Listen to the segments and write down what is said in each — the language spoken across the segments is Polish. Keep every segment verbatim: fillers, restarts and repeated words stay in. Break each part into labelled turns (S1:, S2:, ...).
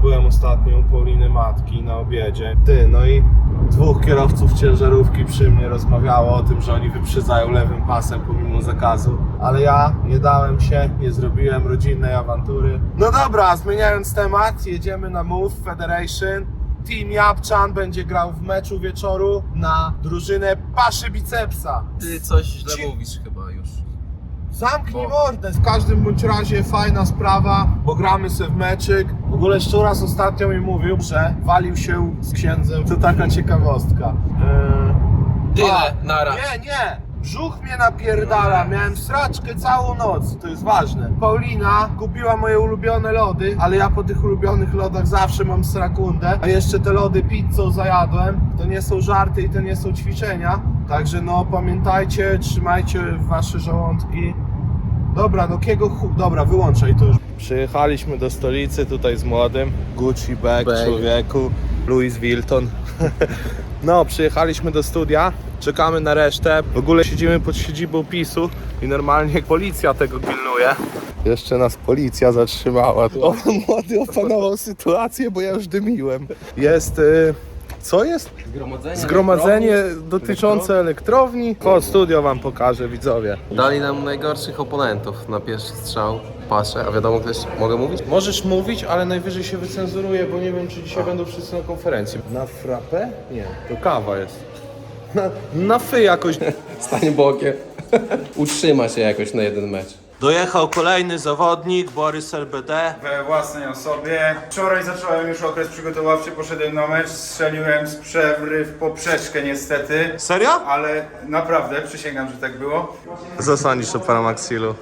S1: Byłem ostatnio u Pauliny matki na obiedzie. Ty, no i dwóch kierowców ciężarówki przy mnie rozmawiało o tym, że oni wyprzedzają lewym pasem pomimo zakazu. Ale ja nie dałem się, nie zrobiłem rodzinnej awantury. No dobra, zmieniając temat, jedziemy na Move Federation. Team Japczan będzie grał w meczu wieczoru na drużynę Paszy Bicepsa.
S2: Ty coś źle
S1: Ci-
S2: mówisz chyba już.
S1: Zamknij mordę! W każdym bądź razie fajna sprawa, bo gramy sobie w meczyk. W ogóle Szczuras ostatnio mi mówił, że walił się z księdzem. To taka ciekawostka. Eee...
S2: Tyle,
S1: A,
S2: nara.
S1: Nie, nie! Brzuch mnie napierdala, miałem sraczkę całą noc, to jest ważne. Paulina kupiła moje ulubione lody, ale ja po tych ulubionych lodach zawsze mam srakundę. A jeszcze te lody pizzą zajadłem. To nie są żarty i to nie są ćwiczenia. Także no pamiętajcie, trzymajcie wasze żołądki. Dobra, no kiego chu... Dobra, wyłączaj to już. Przyjechaliśmy do stolicy tutaj z młodym. Gucci bag,
S2: Bag.
S1: człowieku. Louis Vuitton. No, przyjechaliśmy do studia, czekamy na resztę. W ogóle siedzimy pod siedzibą PiSu i normalnie policja tego pilnuje. Jeszcze nas policja zatrzymała. O, młody opanował sytuację, bo ja już dymiłem. Jest... Y Co jest?
S2: Zgromadzenie.
S1: Zgromadzenie dotyczące elektrowni. Chodź, studio wam pokażę, widzowie.
S2: Dali nam najgorszych oponentów na pierwszy strzał. Paszę, a wiadomo ktoś, mogę mówić?
S1: Możesz mówić, ale najwyżej się wycenzuruje, bo nie wiem, czy dzisiaj będą wszyscy na konferencji. Na frappę? Nie, to kawa jest. Na, na fy jakoś.
S2: Stanie bokiem. Utrzyma się jakoś na jeden mecz.
S1: Dojechał kolejny zawodnik, Borys L B D.
S3: We własnej osobie. Wczoraj zacząłem już okres przygotowawczy, poszedłem na mecz, strzeliłem z przewry w poprzeczkę niestety.
S1: Serio?
S3: Ale naprawdę, przysięgam, że tak było.
S1: Zasłonisz to Paramaxilu.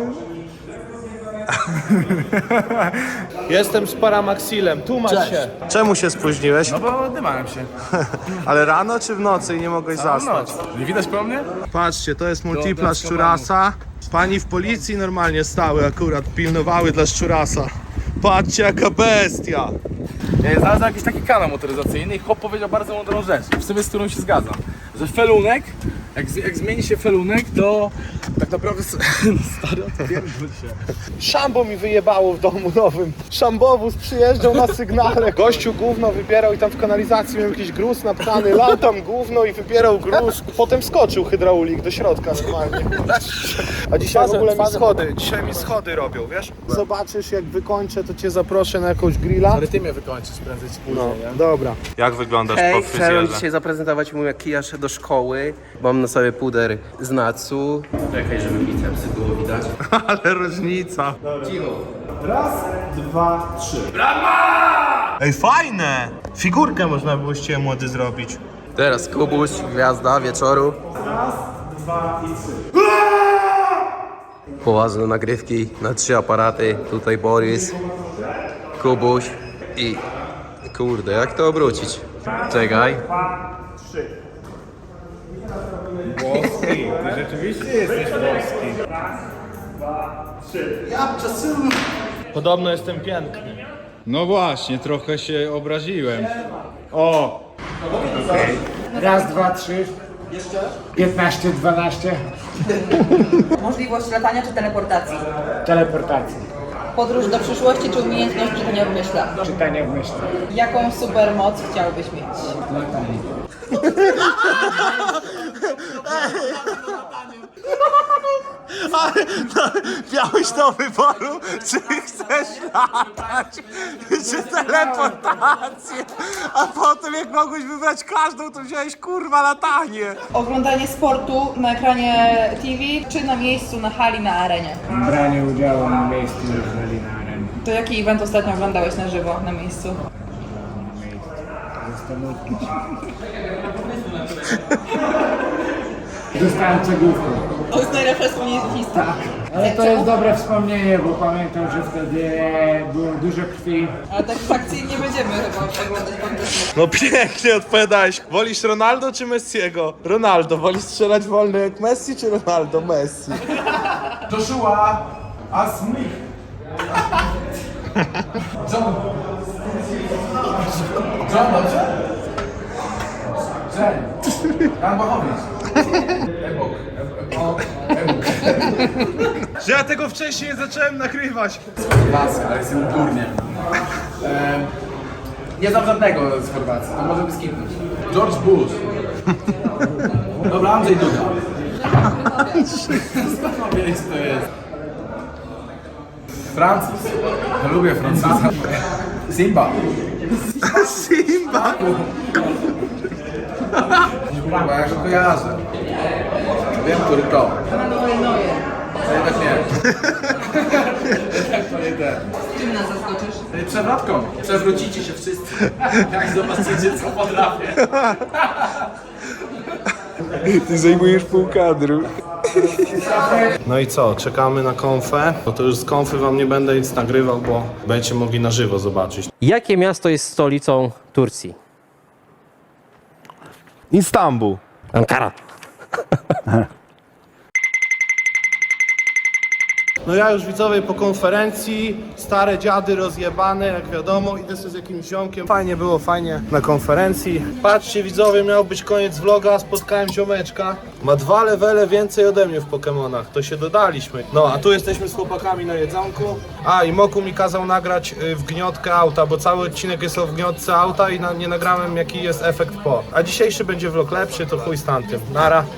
S1: Jestem z Paramaxilem, tłumacz się. Czemu się spóźniłeś?
S4: No bo dymałem się.
S1: Ale rano czy w nocy i nie mogłeś zasnąć?
S4: Nie widać po mnie?
S1: Patrzcie, to jest multipla Szczurasa. Pani w policji normalnie stały akurat, pilnowały dla Szczurasa. Patrzcie jaka bestia!
S4: Ja znalazłem jakiś taki kanał motoryzacyjny i chłop powiedział bardzo mądrą rzecz, w sumie z którą się zgadzam. Że felunek, jak, z- jak zmieni się felunek, to tak naprawdę s- stary odpierdol się.
S1: Szambo mi wyjebało w domu nowym. Szambowóz przyjeżdżał na sygnale. Gościu gówno wybierał i tam w kanalizacji miał jakiś gruz napchany. Lał tam gówno i wybierał gruz. Potem skoczył hydraulik do środka normalnie. A dzisiaj w ogóle mi schody, dzisiaj mi schody robią, wiesz? Zobaczysz jak wykończę, to cię zaproszę na jakąś grilla.
S4: Ale ty mnie wykończysz prędzej czy później,
S1: No,
S4: nie?
S1: dobra. Jak wyglądasz
S2: Hej, chciałem dzisiaj zaprezentować mu jak kija szedł do szkoły. Mam na sobie puder z Natsu. Czekaj, żeby bicepsy było widać.
S1: Ale różnica.
S2: Cicho.
S1: Dwa, trzy. Ej, fajne! Figurkę można było z ciebie młody zrobić.
S2: Teraz Kubuś, gwiazda wieczoru.
S1: Dwa i trzy.
S2: Poważne nagrywki na trzy aparaty. Tutaj Borys, Kubuś i... Kurde, jak to obrócić? Czekaj.
S3: Włoski, ty rzeczywiście jesteś włoski.
S1: Podobno jestem piękny.
S3: No właśnie, trochę się obraziłem. O!
S5: Raz, dwa, trzy. piętnaście, dwanaście.
S6: Możliwość latania czy teleportacji?
S5: Teleportacja.
S6: Podróż do przyszłości czy umiejętność czytania w myślach?
S5: Czytanie w myśli.
S6: Jaką supermoc chciałbyś mieć?
S5: Latanie.
S1: Miałeś do wyboru, czy chcesz latać, czy teleportację, a potem jak mogłeś wybrać każdą, to wziąłeś kurwa latanie.
S6: Oglądanie sportu na ekranie T V czy na miejscu, na hali, na arenie?
S5: Branie udziału na miejscu jeżeli na arenie.
S6: To jaki event ostatnio oglądałeś na żywo, na miejscu?
S5: Na miejscu. Zastanówmy się. Dostałem cegłówkę.
S6: To jest najlepsze wspomnienie z historii.
S5: Ale to jest dobre wspomnienie, bo pamiętam, że wtedy było dużo krwi.
S6: Ale tak fakcji nie będziemy chyba oglądać kontestu.
S1: No pięknie odpowiadałeś. Wolisz Ronaldo czy Messiego? Ronaldo. Wolisz strzelać wolno jak Messi czy Ronaldo? Messi.
S4: Joshua Asmich. John. John, dobrze? Jen. Jan Bachowicz. Ebok. Ebok.
S1: Że ja tego wcześniej zacząłem nagrywać.
S4: Laska, ale jestem durniem. Nie znam żadnego z Chorwacji, to możemy skipnąć. George Bush. Dobra, Andrzej Duda. Skąd mam wiedzieć, co to jest? Francuz. Ja lubię Francuza. Simba.
S1: Simba!
S4: Kurwa, ja go kojarzę. Wiem, który to.
S6: Manuel Neuer.
S4: To jednak nie. Jednak to nie ten.
S6: Czym nas zaskoczysz?
S4: Przewrotką. Przewrócicie się wszyscy. Jak zobaczycie, co potrafię.
S2: Ty zajmujesz pół kadru.
S1: No i co, czekamy na konfę. No to już z konfy wam nie będę nic nagrywał, bo będziecie mogli na żywo zobaczyć.
S7: Jakie miasto jest stolicą Turcji?
S1: Istanbul.
S7: Ankara.
S1: No ja już widzowie po konferencji, stare dziady rozjebane, jak wiadomo, idę sobie z jakimś ziomkiem. Fajnie było, fajnie na konferencji. Patrzcie widzowie, miał być koniec vloga, spotkałem ziomeczka. Ma dwa levele więcej ode mnie w Pokemonach, to się dodaliśmy. No, a tu jesteśmy z chłopakami na jedzonku. A, i Moku mi kazał nagrać y, wgniotkę auta, bo cały odcinek jest o wgniotce auta i na, nie nagrałem jaki jest efekt po. A dzisiejszy będzie vlog lepszy, to chuj z tamtym. Nara.